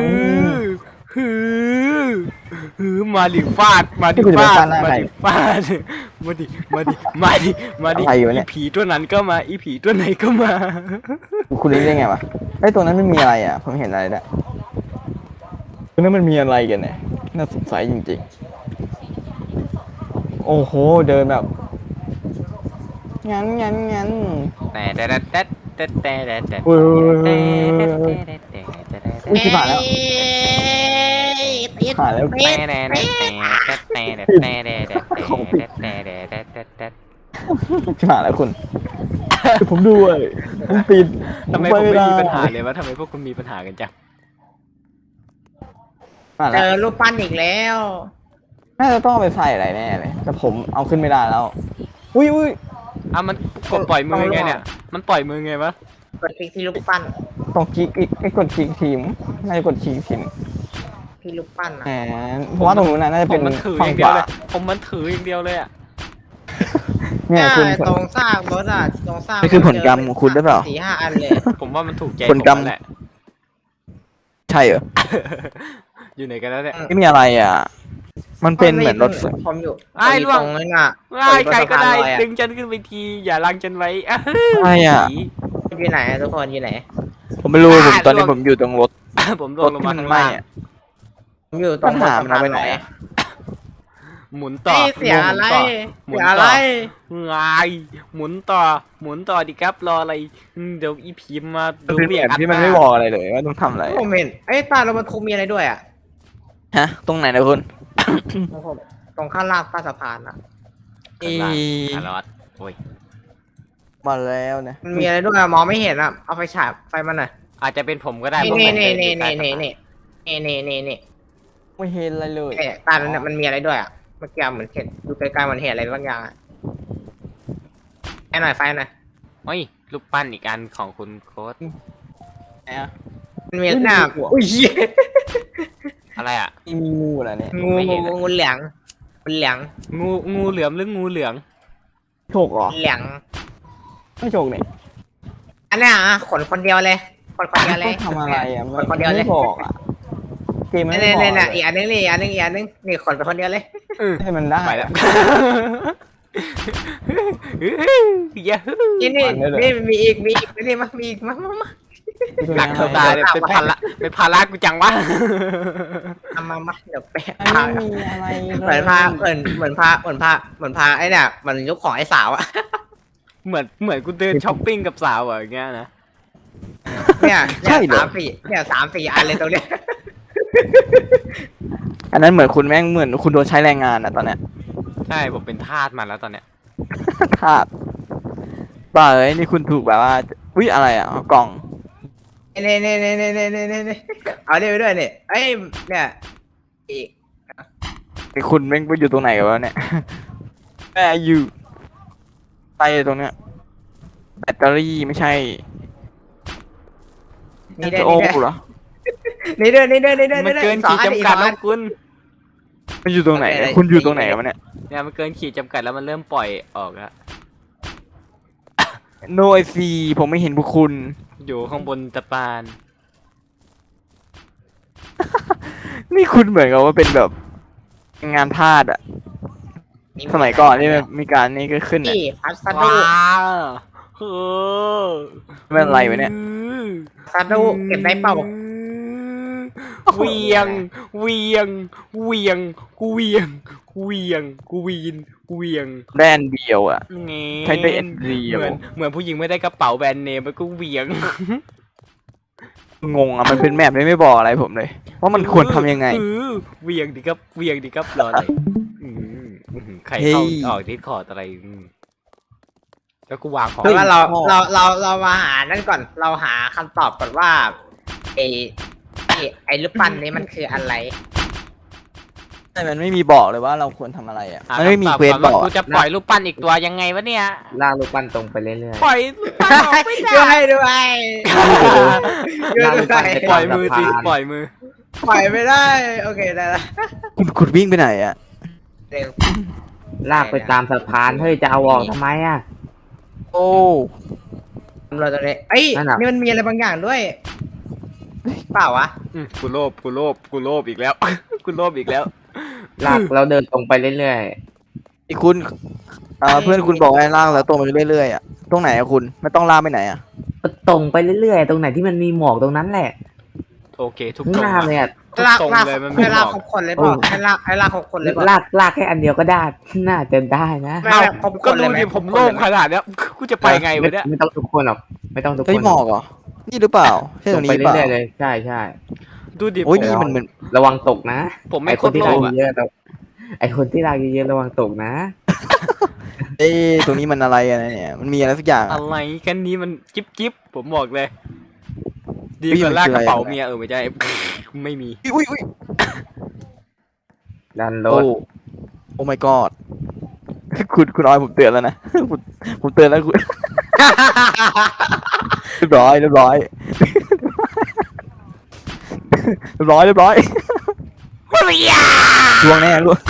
Speaker 2: ฮือมาดิฟาดมาดิฟาดมาดิฟาดมาดิอีผีตัวนั้นก็มาอีผีตัวไหนก็มา
Speaker 1: คุณรู้ได้ไงวะไอ้ยตัวนั้นไม่มีอะไรอ่ะผมเห็นอะไรด้วยตัวนั้นมันมีอะไรกันเนี่ยน่าสงสัยจริงๆ โอ้โหเดินแบบงั้น อุ้ยที่ผ่านแล้ว
Speaker 3: ติด
Speaker 1: ผ่านแล้ว
Speaker 3: ติด
Speaker 1: ที่ผ่านแล้วคุณผมด้วยผมปิด
Speaker 2: ทำไมผมไม่มีปัญหาเลยวะทำไมพวกคุณมีปัญหากันจัง
Speaker 1: ผ่าน
Speaker 3: เจ
Speaker 1: แล้ว
Speaker 3: อรูปปั้นอีกแล้ว
Speaker 1: น่าจะต้องเอาไปใส่อะไรแน่เลยแต่ผมเอาขึ้นไม่ได้แล้วอุ้ย
Speaker 2: อ่ะมันกดปล่อยมือไงเนี่ยมันปล่อยมือไงวะ
Speaker 3: กดคลิกที่รูปปั้น
Speaker 1: ต้องคลิกอีกไอ้กดคลิกทีมน่าจะกดคลิกทีม
Speaker 3: ที่รูปปั้น
Speaker 1: แห
Speaker 3: อ่ะ
Speaker 1: มเพราะว่าตรงนู้นน่ะน่าจะ
Speaker 2: ผ
Speaker 1: เป็
Speaker 2: ม
Speaker 1: น
Speaker 2: มันถืออ
Speaker 1: ฝั่ง
Speaker 2: ย่าง
Speaker 1: ข
Speaker 2: เดียว
Speaker 1: วา
Speaker 2: เลยผมมันถืออย่างเดียวเลยอ่ะ
Speaker 1: เนี่ยคุณ
Speaker 3: ตรงซากรถอ่ะตรงซาก
Speaker 1: นี่คือผลกรรมของคุณหรือเปล่า
Speaker 3: 4-5 อันเลย
Speaker 2: ผมว่ามันถูกใจ
Speaker 1: ผลกรรม
Speaker 2: ผมแหละ
Speaker 1: ใช่เหรอ
Speaker 2: อยู่ไหนกันแล้วเนี่ย
Speaker 1: ไม่มีอะไรอ่ะ มันเป็นเหมือนรถ
Speaker 3: ผมอยู่
Speaker 2: ไอ้ล่วง
Speaker 3: ตรงนั้นอ่ะ
Speaker 2: ว้ายใครก็ได้
Speaker 3: ตรงสะพานลอยอะ
Speaker 2: ดึงฉันขึ้นไปทีอย่าลังฉันไว้อะ
Speaker 1: อะไรอ่ะ
Speaker 3: อยู่ไหนอะทุกคนอยู่ไหน
Speaker 1: ผมไม่รู้ผมตอนนี้ผมอยู่ตรงรถ
Speaker 2: ผมล
Speaker 1: รง ถ
Speaker 2: ลง
Speaker 1: ที่
Speaker 2: มา
Speaker 1: มัน
Speaker 2: ข้าง
Speaker 1: ไหม้
Speaker 2: ล่าง
Speaker 1: อ่ะ
Speaker 3: ผมอยู่ตรง
Speaker 1: ปัญหามันเอาไปไหนอะ
Speaker 2: หมุนต่อ
Speaker 3: เอ้ยเสียอะไร
Speaker 2: หมุ
Speaker 3: เสี
Speaker 2: น
Speaker 3: ย
Speaker 2: ต่
Speaker 3: อะไร
Speaker 2: งายหมุนต่อดิครับรออะไรเดี๋ยวอีพีมา
Speaker 1: มันเป็น
Speaker 2: เรีย
Speaker 1: แบบที่มันไม่บอกอะไรเลยว่าต้องทำอะไร
Speaker 3: ผมเห็นไอ้ยตาเรามันคงมีอะไรด้วยอ่ะ
Speaker 1: ฮะ ตรงไหนนะคุณ
Speaker 3: ตรงข้างล่างใต้สะพานอ่ะ
Speaker 2: คารอดโอ้ย
Speaker 1: มาแล้วนะ
Speaker 3: มันมีอะไรด้วยอะมองไม่เห็นอ่ะเอาไฟฉายไฟมันหน่อย
Speaker 2: อาจจะเป็นผมก็ได้
Speaker 3: นี่
Speaker 2: เพราะ
Speaker 3: นี่
Speaker 2: ผม
Speaker 3: นี่
Speaker 2: เดิ
Speaker 3: นี่
Speaker 2: อยู่
Speaker 3: นี่
Speaker 2: ใต้
Speaker 3: นี่
Speaker 2: สะพา
Speaker 3: นี่นี่นี่นี่
Speaker 1: ไม่เห็นอะไรเลย
Speaker 3: ตาเนี่ยมันมีอะไรด้วยอ่ะเมื่อกี้เหมือนเห็นดูไกลๆมันเห็นอะไรบางอย่างอะไฟหน่อยไฟหน่อย
Speaker 2: โอ้ยรูปปั้นอีกอันของคุณโค้ด
Speaker 1: ไหนอะ
Speaker 3: มันมีหน้าอุ้ยเหี้ย
Speaker 2: อะไรอ่ะ
Speaker 1: มีงูเหรอเนี่ย
Speaker 3: งู
Speaker 2: ไม่เห็นอะ
Speaker 3: งูเหลืองมันเหลือง
Speaker 2: งูเหลือมหรืองูเหลือง
Speaker 1: โฉกเหรอ
Speaker 3: เหลือง
Speaker 1: ไม่โฉกเนี่ย
Speaker 3: อันเนี้ยอ่ะขนคนเดียวเลยคนเดียวเลย
Speaker 1: ต้องทำอะไรอ่ะ
Speaker 3: คนเดียวเลย
Speaker 1: ไม่บอกอ่ะเกมมัน
Speaker 3: นี่
Speaker 1: ไม่บอก
Speaker 3: นี่
Speaker 1: เล
Speaker 3: นี่
Speaker 1: ย
Speaker 3: อีกอันนึงนี่อีกอันนึงอีกอันนึงนี่ขนไปคนเดียวเลย
Speaker 1: ให้มันได้
Speaker 2: ไปแล้วยาฮู
Speaker 3: นี่นี่มีอีกนี่มามีอีกมา
Speaker 2: หนักเท่าตายเลยเป็นภาระกูจังวะ
Speaker 3: มาเดี๋ยวแปะ
Speaker 1: ไม่มีอะไรเลย
Speaker 3: เหมือนพาไอ้เนี่ยมันยกของไอ้สาวอะ
Speaker 2: เหมือนกูเดินช้อปปิ้งกับสาวอะอย่างเงี้ยนะ
Speaker 3: เนี่ย3-4อันเลยตรงเนี้ย
Speaker 1: อันนั้นเหมือนคุณแม่งเหมือนคุณโดนใช้แรงงานอ่ะตอนเนี้ย
Speaker 2: ใช่ผมเป็นทาสมันแล้วตอนเนี้ย
Speaker 1: ทาสป่าเอ้ยนี่คุณถูกแบบว่าอุ๊ยอะไรอ่ะกล่อง
Speaker 3: นี่เอาเนี่ยไปด้วยเนี่ยเอ้ยเนี่ยอีก
Speaker 1: ไอ้คุณแม่งไปอยู่ตรงไหนกันวะเนี่ยแม่อยู่ใต้ตรงเนี้ยแบตเตอรี่ไม่ใช่
Speaker 3: นี่ได้
Speaker 1: โอ้
Speaker 3: นี่ได้
Speaker 1: เหรอ
Speaker 3: นี่เดินนี่เดินนี่เดิน
Speaker 2: มันเกินขีดจำกัดแล้วคุณ
Speaker 1: มันอยู่ตรงไหนเนี่ยคุณอยู่ตรงไหนกันวะเนี่ย
Speaker 2: เนี่ยมันเกินขีดจำกัดแล้วมันเริ่มปล่อยออกแล้ว
Speaker 1: โนไอซีผมไม่เห็นพวกคุณ
Speaker 2: อยู่ข้างบนตะปาน
Speaker 1: นี่คุณเหมือนกับว่าเป็นแบบงานพาดอะสมัยก่อนนี่มีการนี่ก็ขึ้นอะ
Speaker 3: นี่พัสดุ
Speaker 2: ว้าวเออ
Speaker 1: ไม่เป็นไรวะเนี่ย
Speaker 3: พัสดุเก็บได้เปล่า
Speaker 2: เวียงเวียงเวียงกูเวียงกูเวียงกูวีนกูเวียง
Speaker 1: แบรนด์เดียวอะ
Speaker 2: งี้
Speaker 1: ใช้ได้อันเดียว
Speaker 2: เหมือนผู้หญิงไม่ได้กระเป๋าแบรนด์เนมมันก็เวียง
Speaker 1: งงอะมันเป็นแมปไม่บอกอะไรผมเลยว่ามันควรทำยังไง
Speaker 2: เวียงดิครับเวียงดิครับรออะไรใครเข้า
Speaker 1: เฮ้ย
Speaker 2: ออกดิสคอร์ดอะไรแล้วกูวางของ
Speaker 3: คือว่าเรามาหานั่นก่อนเราหาคำตอบก่อนว่าไอ้รูปปั้นนี้มันคืออะไร
Speaker 1: แต่มันไม่มีบอกเลยว่าเราควรทำอะไรอะมันไม่มีเควส
Speaker 2: ก่น
Speaker 1: บ
Speaker 2: ว่า
Speaker 1: อก
Speaker 2: กูจะปล่อยรูปปั้นอีกตัวยังไงวะเนี่ย
Speaker 3: ลากรูปปั้นตรงไปเรื่อย
Speaker 2: ปล่อยรูปปั้นออกไม่ได้
Speaker 3: ด้วยด้วยด้วย
Speaker 2: ปล่อยมือสิปล่อยมือ
Speaker 3: ปล่อยไม่ได้โอเคได้ละ
Speaker 1: คุณวิ่งไปไหนอะ
Speaker 3: เร็ว
Speaker 4: ลากไปตามสะพานเฮ้ยจะเอาออกทำไมอ่ะ
Speaker 1: โอ้
Speaker 3: เราตรงนี้เอ้ย
Speaker 4: นั่นน่ะ
Speaker 3: นี่มันมีอะไรบางอย่างด้วยเปล่าวะ
Speaker 2: กูโลภกูโลภกูโลภอีกแล้ว กูโลภอีกแล้ว
Speaker 4: ลากเราเดินตรงไปเรื่อย
Speaker 1: ไอคุณเพื่อนคุณบอกให้ล่างแล้วตรงไปเรื่อยๆอะตรงไหนอะคุณไม่ต้องล่างไปไหนอะ
Speaker 4: ๆก็ตรงไปเรื่อยๆตรงไหนที่มันมีหมอกตรงนั้นแหละ
Speaker 2: โอเคทุก
Speaker 4: ข้าง
Speaker 2: ตร
Speaker 4: ห
Speaker 2: ง
Speaker 4: น้าเลยอ่ะ
Speaker 2: ทุก
Speaker 3: ลาก
Speaker 2: ตรง
Speaker 3: ลาก
Speaker 2: เลยมัน
Speaker 3: ให้
Speaker 2: ไม่บ
Speaker 3: ลา
Speaker 2: อก ก
Speaker 3: ครบคนเลยบอกให้ลากครบคนเลยบอก
Speaker 4: ลากแค่อันเดียวก็ได้น่าจะได้นะ
Speaker 3: ไม่
Speaker 2: เอ้า
Speaker 3: ครบค
Speaker 2: ก็
Speaker 3: นเลย
Speaker 2: ดู
Speaker 3: ไหม
Speaker 2: ดิผมโลภขนาดเนี้ยกูจะไปไงวะเนี่ย
Speaker 4: ไม่ต้องทุกคนหรอกไม่ต้องทุกค
Speaker 1: เฮ้ย
Speaker 4: น
Speaker 1: หมอกเหรอนี่หรือเปล่าใช่
Speaker 4: ต
Speaker 1: ต
Speaker 4: ร
Speaker 1: รง ง
Speaker 4: ไป
Speaker 1: นี้หรือเปล่า
Speaker 4: เรื่อยๆเลยใช่ใช่
Speaker 2: ดูดิ
Speaker 1: โอ้ย
Speaker 2: ผม
Speaker 1: นี่มันเหมือน
Speaker 4: ระวังตกนะ
Speaker 2: ผมไม่
Speaker 4: ไอ
Speaker 2: โค
Speaker 4: คน
Speaker 2: ตร
Speaker 4: ที่
Speaker 2: โล
Speaker 4: ลาก
Speaker 2: ภอะ
Speaker 4: เยอะๆเราไอคนที่ลากเยอะๆระวังตกนะ
Speaker 1: เอ้ยตรงนี้มันอะไรอะเนี่ยมันมีอะไรสักอย่างอะ
Speaker 2: อะไรกันนี้มันจิ๊บจิ๊บผมบอกเลย ดี
Speaker 1: เฮ้ย
Speaker 2: กว่า
Speaker 1: มัน
Speaker 2: ลาก
Speaker 1: คือก อะไร
Speaker 2: ระเป๋า
Speaker 1: อะ
Speaker 2: เมียไม่ใช่ ไม่มี
Speaker 1: อุ้ย
Speaker 4: ดันร
Speaker 1: โอ้
Speaker 4: ถ
Speaker 1: โอ้ my god คุณออยผมเตือนแล้วนะ ผมเตือนแล้วคุณ เรียบร้อยเรียบร้อยเรียบร้อยเรียบร้อยล่วงแน่ล่วง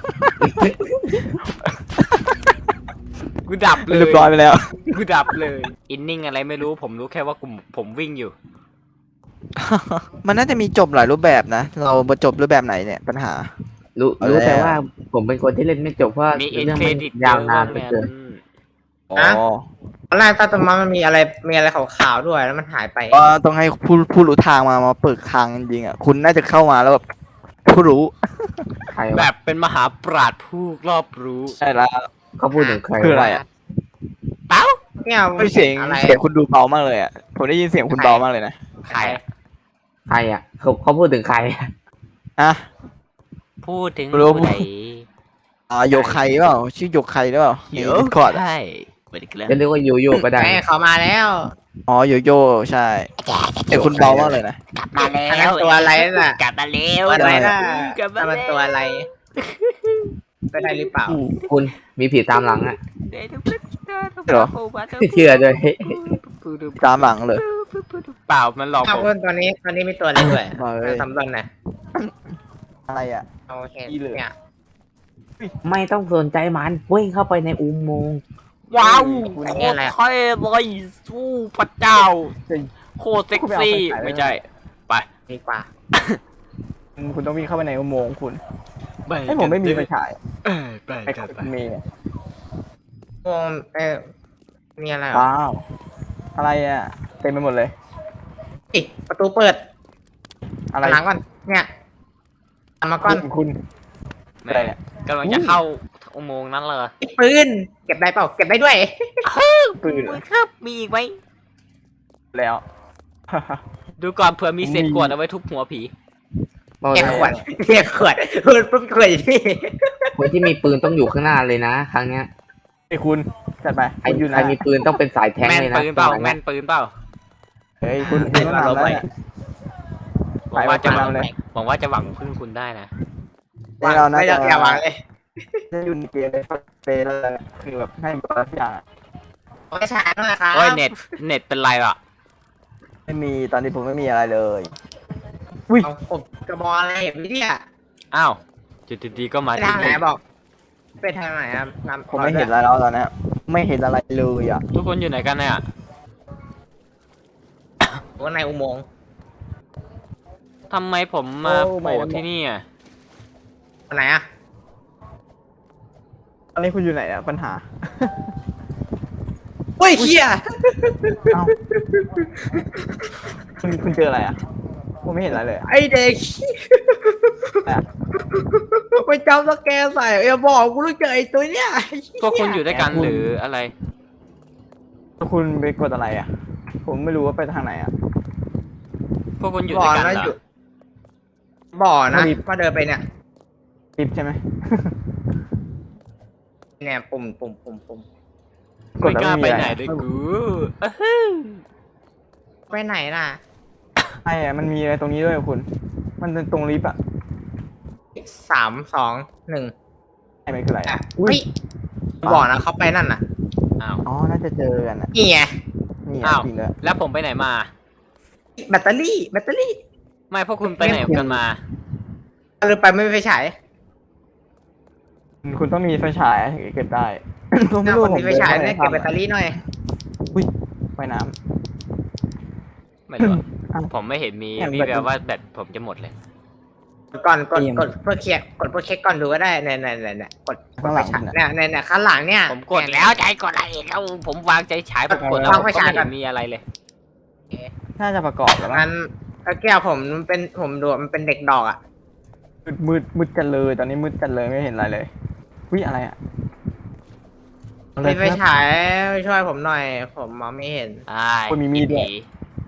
Speaker 2: กูดับเลย
Speaker 1: เรียบร้อยไปแล้ว
Speaker 2: กูดับเลย อินนิ่งอะไรไม่รู้ผมรู้แค่ว่าผมวิ่งอยู่
Speaker 1: มันน่าจะมีจบหลายรูปแบบนะ เรามาจบรูปแบบไหนเนี่ยปัญหา
Speaker 4: รู้
Speaker 1: เอาแล้ว
Speaker 4: แต่ว่าผมเป็นคนที่เล่นไม่จบเพราะ
Speaker 2: มีเอ็น
Speaker 4: เรื่อง
Speaker 2: เคร
Speaker 4: มัน
Speaker 2: ดิต
Speaker 4: ยาวนานไปเกิน
Speaker 1: อ๋อ
Speaker 3: ตอนแรกตอนมามันมีอะไรขาวๆด้วยแล้วมันหายไป
Speaker 1: ก็ต้องให้ผู้รู้ทางมาเปิดทางจริงๆอ่ะ คุณน่าจะเข้ามาแล้วแบบผู้รู้
Speaker 4: ใคร
Speaker 2: แบ
Speaker 4: วะ
Speaker 2: บเป็นมหาปราชญ์ผู้รอบรู้
Speaker 1: ใช่แล้ว
Speaker 4: เขาพูดถึงใคร
Speaker 1: คืออะไร
Speaker 4: วะ
Speaker 1: อ่ะ
Speaker 2: เป้า
Speaker 3: เนี่ย
Speaker 1: ไม่เสียง
Speaker 3: อะไร
Speaker 1: เสียงคุณดูเบามากเลยอ่ะ ผมได้ยินเสียงคุณเบามากเลยนะ
Speaker 2: ใครอะ
Speaker 4: ใครอ่ะเขาพูดถึงใครอะ
Speaker 1: อ่ะ
Speaker 2: พูดถึง
Speaker 1: ไม่รู้
Speaker 2: ผู้ใด
Speaker 1: โยไคเปล่าชื่อโยไคหรือเปล่าใน Discord อะ
Speaker 2: ใช่สวัสดีครับ
Speaker 4: จะเรียกว่าโยโย่ก็ได้
Speaker 3: แม่เขามาแล้ว
Speaker 1: อ๋อโยโย่ใช่เสียงคุณเบามากเลยนะ
Speaker 2: มาแล้
Speaker 3: อันนั้นตัวอะไรน่ะ
Speaker 2: กลับมาแล้ว
Speaker 3: ตัวอะไรน่ะ
Speaker 2: กลับมา
Speaker 3: นั่นมันตัวอะไรก็ได้หรือเปล่า
Speaker 4: คุณมีผีตามหลังอ่ะ
Speaker 1: เหรอ
Speaker 4: เชื่อด้วย
Speaker 1: ตามหลังเลย
Speaker 2: เปล่ามันหลอก
Speaker 3: อ้าว
Speaker 2: ผม
Speaker 3: ตอนนี้มีตัวอะไรด้วย
Speaker 1: มาเลย
Speaker 3: สำรวจหน่อย
Speaker 1: อะไรอ่ะ
Speaker 3: โอเค
Speaker 1: อีเหลือ
Speaker 3: เนี่ย
Speaker 4: ไม่ต้องสนใจมันวิ่งเข้าไปในอุโมงค์
Speaker 2: ว้าว
Speaker 1: คุณ
Speaker 2: โค
Speaker 3: เนี่ย
Speaker 2: ต
Speaker 3: อะไร
Speaker 2: รเท่เลยสู้พระเจ้า
Speaker 1: จริง
Speaker 2: โคตรเซ็กซี่
Speaker 1: คุณไปเอาไฟฉาย
Speaker 2: ไม่ใช่ ไป
Speaker 3: ดีกว่า
Speaker 1: คุณต้องวิ่งเข้าไปในอุโมงค์คุณ
Speaker 2: ไป
Speaker 1: ให้ผมไม่มีไฟฉาย
Speaker 2: ไป
Speaker 1: ไอ้
Speaker 2: กันไป
Speaker 1: คุณมีอะ
Speaker 3: โอ้มีอะไรเหรอ
Speaker 1: ว้าวอะไรอ่ะเต็มไปหมดเลย
Speaker 3: อิประตูเปิด
Speaker 1: อะไร
Speaker 3: หลังก่อนเนี่ยทำมาก่อน
Speaker 1: คุณอะไรเนี่ย
Speaker 2: กำลังจะเข้าอุโมงค์นั้นเลย
Speaker 3: ปืนเก็บได้เปล่าเก็บได้ด้วย
Speaker 1: ปืนเหรอ
Speaker 2: ครับมีอีกไหม
Speaker 1: แล้ว
Speaker 2: ดูก่อนเผื่อมีเศษกรวดเอาไว้ทุบหัวผี
Speaker 4: บอก
Speaker 3: เก็บ
Speaker 4: เลย
Speaker 3: ขวดเก็บขวดปืนปุ๊บขวดอยู่นี่
Speaker 4: คนที่มีปืนต้องอยู่ข้างหน้าเลยนะ ครั้งเนี้ย
Speaker 1: ไอ้คุณจัดไป
Speaker 4: ใคร
Speaker 1: คุณอยู่
Speaker 4: ใคร
Speaker 1: นะ
Speaker 4: มีปืนต้องเป็นสายแทง
Speaker 2: แม่น
Speaker 4: เลยนะ
Speaker 2: ปืนเปล่า
Speaker 4: ตรง
Speaker 2: แม่นปืนเปล่า
Speaker 1: เฮ้ยคุณต้องทำแล้วเนี่ย
Speaker 2: หวังว่าจะ
Speaker 1: ไปเลย
Speaker 2: หวังว่าจะหวังพึ่งคุณได้นะ
Speaker 1: นี่เราน่า
Speaker 3: ไม่
Speaker 1: จะ
Speaker 3: อย่าวางเลย
Speaker 1: จะอยู่ในเกมเลยเฟซเลยคือแบบให้บทุกอย่างอะ
Speaker 3: ไม่ช้าหน่อยครับ
Speaker 2: โอ้ยเน็ตเป็นไรอ่ะ
Speaker 1: ไม่มีตอนนี้ผมไม่มีอะไรเลยอุ้ย
Speaker 3: เอาผมกระบอกอะไรเห็นไหมเนี่ย
Speaker 2: อ้าวจุดดีๆก็มา
Speaker 3: ไป
Speaker 2: ที่
Speaker 3: ทางไหน
Speaker 2: นี่
Speaker 3: บอกไปทางไหนครับนำ
Speaker 1: ผมไม่เห็นอะไรแล้วตอนเนี้ยไม่เห็นอะไรเลยอ่ะ
Speaker 2: ทุกคนอยู่ไหนกันเนี่ย
Speaker 3: ว่าในอุโมงค์
Speaker 2: ทำไมผมมาโผล่ที่นี่อ่ะ
Speaker 3: อันไหนอะ
Speaker 1: ตอนนี้คุณอยู่ไหนอ่ะปัญหา
Speaker 3: เฮ้ยเคีย
Speaker 1: เอ้าคุณเจออะไรอ่ะผมไม่เห็นอะไรเลยอะ
Speaker 3: ไอเด็ก
Speaker 1: อะไรอะ
Speaker 3: ไปจำสแกนใส่อย่าบอกกูรู้เจอไอตัวเนี้ย
Speaker 2: พวกคุณอยู่ด้วยกันหรืออะไร
Speaker 1: คุณไปกดอะไรอ่ะ ผมไม่รู้ว่าไปทางไหนอ่ะ
Speaker 2: พวกคุณอยู่
Speaker 3: บ่
Speaker 2: ด้
Speaker 3: อ
Speaker 2: วยกัน
Speaker 3: นะ
Speaker 2: เหร
Speaker 3: อยู่
Speaker 2: อ
Speaker 3: บ่อนะ
Speaker 1: ไม่ดี
Speaker 3: มาเดินไปเนี่ย
Speaker 1: ลิฟต์ใช่ไหม
Speaker 3: เนี่ยปุ่ม
Speaker 2: ไม่กล้าไป
Speaker 1: แล้ว
Speaker 2: ไหน
Speaker 1: อะ
Speaker 2: ด้วย
Speaker 1: ร
Speaker 2: กูอะฮึ่ม
Speaker 3: ไปไหนน่ะ
Speaker 1: ใช่อะมันมีอะไรตรงนี้ด้วยอะคุณ มันเป็นตรงลิฟต์อ่ะ
Speaker 3: 3 2 1
Speaker 1: ไอ้มันคืออะไร
Speaker 3: อ่ะ
Speaker 1: อ่ะ
Speaker 3: อุ้ยบ่อนะเขาไปนั่นน่ะ
Speaker 2: อ้าว
Speaker 1: อ๋อ น่าจะเจอกันอ่ะ
Speaker 3: นี่ไง
Speaker 1: นี่
Speaker 2: อ้า
Speaker 1: อ่ะ
Speaker 2: ว
Speaker 1: จริงเลย
Speaker 2: แล้วผมไปไหนมา
Speaker 3: แบตเตอรี่
Speaker 2: ไม่พวกคุณไปไหนกันมา
Speaker 3: หรือไปไม่ไปฉาย
Speaker 1: คุณต้องมีไฟฉายถึงจะเก็บได้ ผม
Speaker 3: ห
Speaker 1: ไม่
Speaker 3: น้า
Speaker 1: รู้
Speaker 3: คน
Speaker 1: ผม
Speaker 3: ที่ไปฉายเนี่ย
Speaker 1: ดิ
Speaker 3: เก็บ
Speaker 1: น
Speaker 3: แบตเตอรี่หน่อย
Speaker 1: อุ้ยไฟน้
Speaker 2: ไม่รู้อะ
Speaker 1: อ้าว
Speaker 2: ผมไม่เห็นมี
Speaker 1: เนี่ย
Speaker 2: มี
Speaker 1: แบต
Speaker 2: แบบว่าแบตผมจะหมดเลย
Speaker 3: ก่อนกด
Speaker 1: เกม
Speaker 3: กดเพื่อเคลียร์กดเพื่อเช็คก่อนดูก็ได้เนี่ยกด
Speaker 1: ข้างหลัง
Speaker 3: ไปฉาย
Speaker 1: น่ะ
Speaker 3: เนี่ยข้างหลังเนี่ย
Speaker 2: ผมกดแล้วใจกดอะไรอีกแล้วผมวางใจฉายผมกดแล้ว
Speaker 3: วาง
Speaker 2: ผม
Speaker 3: ไฟ
Speaker 2: ก็
Speaker 3: ฉาย
Speaker 2: ไม่
Speaker 3: ก่
Speaker 2: เห็
Speaker 3: อน
Speaker 2: นมีอะไรเลย
Speaker 1: ำน่าจะประกอบแล้วมั้
Speaker 3: งั้
Speaker 1: ง
Speaker 3: นตะแก้วผมเป็นผมดูมันเป็นเด็กดอกอ่ะ
Speaker 1: มืดกันเลย ตอนนี้มืดกันเลยไม่เห็นอะไรเลยอุ้ยอะไรอ่ะอะไร
Speaker 3: มีไฟ
Speaker 1: ครับ
Speaker 3: ฉายช่วยผมหน่อย ผมมองไม่เห็น
Speaker 2: อ้าย
Speaker 1: คนมีมีดด้วย
Speaker 2: ผี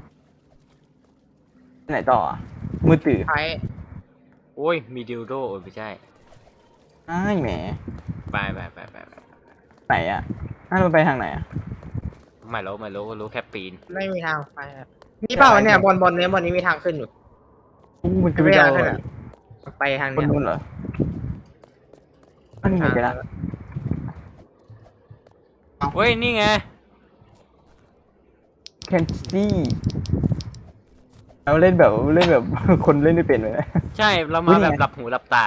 Speaker 1: ไหนต่ออะมืดตื่น
Speaker 3: ใช้
Speaker 2: โอ้ย มีดิวโดไม่ใช่
Speaker 1: อ้ายแหม
Speaker 2: ไป
Speaker 1: ไหนอ่ะน่าจะไปทางไหนอ่ะ
Speaker 2: ไม่รู้แค่ปีน
Speaker 3: ไม่มีทางไปครับมีเปล่าเนี่ยบนนี้มีทางขึ้นอยู่
Speaker 1: อู้มันคือไปเดา
Speaker 3: ไม่
Speaker 1: เหร
Speaker 3: ได้
Speaker 1: อ
Speaker 3: ไปทาง
Speaker 1: คน
Speaker 3: เนี้ย
Speaker 1: นู้นเหรออันนี้ไงไปละ
Speaker 2: เฮ้ย นี่ไง
Speaker 1: แคนซี่เราเล่นแบบ คนเล่นไม่เป็นเลยนะ
Speaker 2: ใช่เรา
Speaker 1: อุ๊
Speaker 2: มาย แบบ
Speaker 1: ไง
Speaker 2: หลับหูหลับตา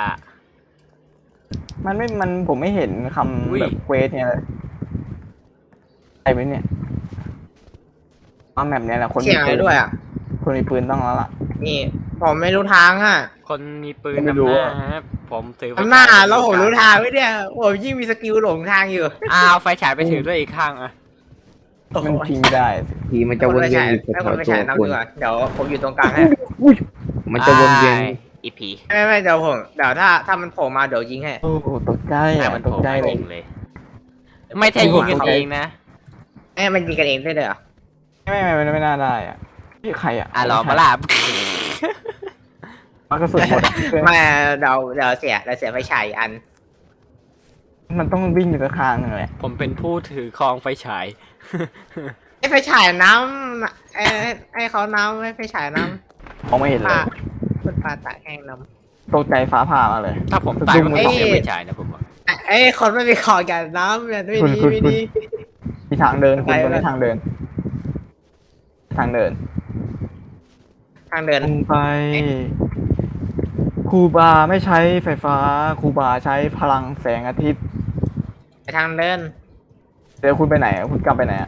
Speaker 1: มันผมไม่เห็นค
Speaker 2: อุ๊ย
Speaker 1: ำแบบเควสเนี่ยเลยใช่ไหมเนี่ยเอาแมปเนี่ยแหละคน
Speaker 3: เสียงอะไรด้วยอ่ะ
Speaker 1: คนมีปืนต้องแล้วล่ะ
Speaker 3: นี่ ผมไม่รู้ทางอ่ะ
Speaker 2: คนมีปืน
Speaker 1: ไม่
Speaker 2: นำ
Speaker 1: รู้
Speaker 2: หน้า
Speaker 1: อะ
Speaker 2: ครับผมถือไฟ
Speaker 3: ทำหน้า
Speaker 2: ฉาย
Speaker 3: แล้วผมรู้ทางไว้เนี่ยผมยิ่งมีสกิลหลงทางอยู่
Speaker 2: อ้าวไฟฉายไปถือด้วยอีกข้างอะ
Speaker 1: มันทิ้งไม่ได้
Speaker 5: ทีมันจะวนเวียนอยู่
Speaker 3: ให้
Speaker 5: แถ
Speaker 3: คน
Speaker 5: ว
Speaker 3: ไป
Speaker 5: ๆตั
Speaker 3: ฉายว นำ
Speaker 5: คุ
Speaker 3: ดี
Speaker 5: ณ
Speaker 3: กว่าเดี๋ยวผมอยู่ตรงกลางให้
Speaker 5: มันจะวนเวียน
Speaker 2: อ้ายอีผี
Speaker 3: ไม่เดี๋ยวผมเดี๋ยวถ้ามันโผล่มาเดี๋ยวยิงให้
Speaker 1: โอ้โหตกใจ
Speaker 2: แต่
Speaker 1: อ่ะ
Speaker 2: มัน
Speaker 1: ต
Speaker 2: โผ
Speaker 1: ก
Speaker 2: ล่
Speaker 1: ใจ
Speaker 2: มา
Speaker 1: เล
Speaker 2: จ
Speaker 1: ย
Speaker 2: ริงเลย ไม่ใช่ยิงกันเองนะ
Speaker 3: มันยิงกันเองได้เลยเหรอ
Speaker 1: ไม่น่าได้อ่ะนี่ใครอ่ะ
Speaker 2: อ่ะรอมาล่ะ
Speaker 1: มันกระสุนหมดอะ
Speaker 3: ไม่เดี๋ยวเสียไฟฉายอีกอัน
Speaker 1: มันต้องวิ่งอยู่ข้างๆนึงเลย
Speaker 2: ผมเป็นผู้ถือครองไฟฉาย
Speaker 3: ไอ้ไฟฉายน้ำไอ้เขาน้ำไอ้ไฟฉายน้
Speaker 1: มองไม่เห็น
Speaker 3: ำ
Speaker 1: เล
Speaker 3: ผ้าย คุณปลาตากแห้งน้
Speaker 1: ตกใจฟ้าผ่ามาเลย
Speaker 2: ถ้าผมตายก็ไม่เสียไฟฉายนะผมบอก
Speaker 3: ำไอ้คนไม่มีของกันน้ำเนี่ยไม่ดี
Speaker 1: คุณ
Speaker 3: ไม่ดี
Speaker 1: มีทางเดินคุณ
Speaker 3: ไป
Speaker 1: ตรงนี้
Speaker 3: เลย
Speaker 1: ทางเดิน ทางเดิน
Speaker 3: ทางเดิน
Speaker 1: ลงไปครูบาไม่ใช้ไฟฟ้าครูบาใช้พลังแสงอาทิตย์
Speaker 3: ไปทางเดิน
Speaker 1: เดี๋ยวคุณไปไหนอะคุณกลับไปไหนอ่ะ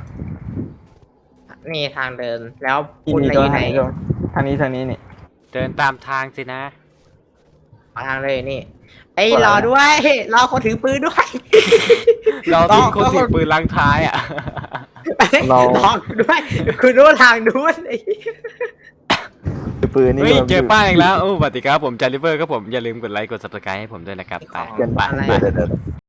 Speaker 3: นี่ทางเดิน แล้ว
Speaker 1: ที่
Speaker 3: คุณ
Speaker 1: นี่
Speaker 3: ไป
Speaker 1: ก็
Speaker 3: อยู่ไหน
Speaker 1: ทางนี้นี่
Speaker 2: เดินตามทางสินะ
Speaker 3: ขอทางเลยนี่ไอ้
Speaker 1: กดอะไร
Speaker 3: รอด้วยรอคนถือปืนด้วย
Speaker 2: เราที่คนถือปืนลังท้ายอ่ะ
Speaker 1: เรา
Speaker 3: รอด้วยคุณรู้ทางนู้นไอ้
Speaker 1: ถือปืนนี่
Speaker 2: เฮ้ย
Speaker 1: แบบ
Speaker 2: เจอป้ายอีกแล้วโอ้สวัสดีครับผมจาริเวอร์ครับผมอย่าลืมกดไลค์กด subscribe ให้ผมด้วยนะครับไป
Speaker 1: เกินไป
Speaker 2: ไป
Speaker 1: เดี๋ยว